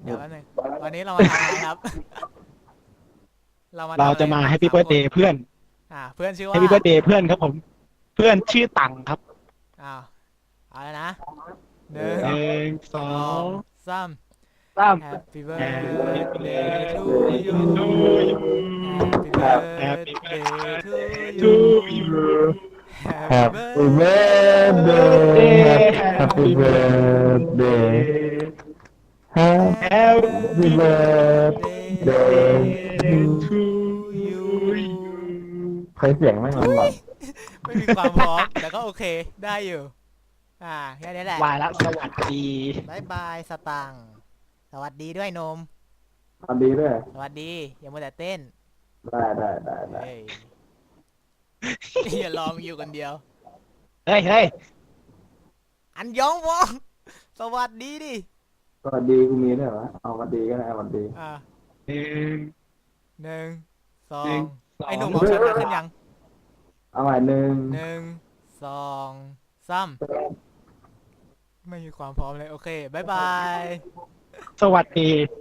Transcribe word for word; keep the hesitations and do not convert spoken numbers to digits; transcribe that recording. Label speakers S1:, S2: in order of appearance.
S1: เดี๋ยวแป๊บนึงวันนี้เรามาทำอะไรครับ เรามาทำ
S2: เรา
S1: อะไร
S2: จะมา
S1: กัน
S2: แฮปปี้
S1: ส
S2: เบิร์ a เด
S1: คน
S2: ย์เพื่อน
S1: อ่าเพื่อนชื่อ
S2: แฮ
S1: ว่า
S2: ปปี้เบิร์ a เดย์เพื่อนครับผม เพื่อนชื่อตังครับ
S1: อ้าวเอาแล้วนะห
S3: เอ
S1: นึ่ง
S3: อ
S2: หนึ่งส
S1: ส
S2: อ
S1: อง งสาม
S2: สาม
S1: Happy
S2: Happy
S1: birthday to you
S2: to you
S1: Happy
S2: Happy
S1: birthday to
S2: to
S1: you
S2: you
S1: Happy
S3: Happy
S1: birthday
S3: birthday Happy birthday Happy birthday
S2: to
S1: you
S2: you
S3: ใช้เสียงไม่งมันหลอน
S1: ไม่มีความพร้อมแต่ก็โอเคได้อยู่อ่าแค่นี้แหละ
S2: วายละสวัสดี
S1: บายบายสตังค์สวัสดีด้วยนม
S3: ทำดีด้วย
S1: สวัสดีอย่ามัวแต่เต้น
S3: ได้ได้ได้ได้
S1: เฮ้ย อย่าลองอยู่คนเดียว
S2: เฮ้ยเฮ้ย
S1: อันยองวองสวัสดีดิ
S3: สวัสดีกูมีด้วยเหรอเอาสวัสดีก็ได้สวัสดี
S1: อ่า
S2: หนึ่ง
S1: หนึ่งสอ
S2: หนึ่
S1: ง
S2: งสอง
S1: ไอ้หนุ่มเอาชนะขึ้นยัง
S3: เอาใหม่หนึ่ง
S1: หนึ่งสองสามไม่มีความพร้อมเลย โอเคบายบาย
S2: สวัสดี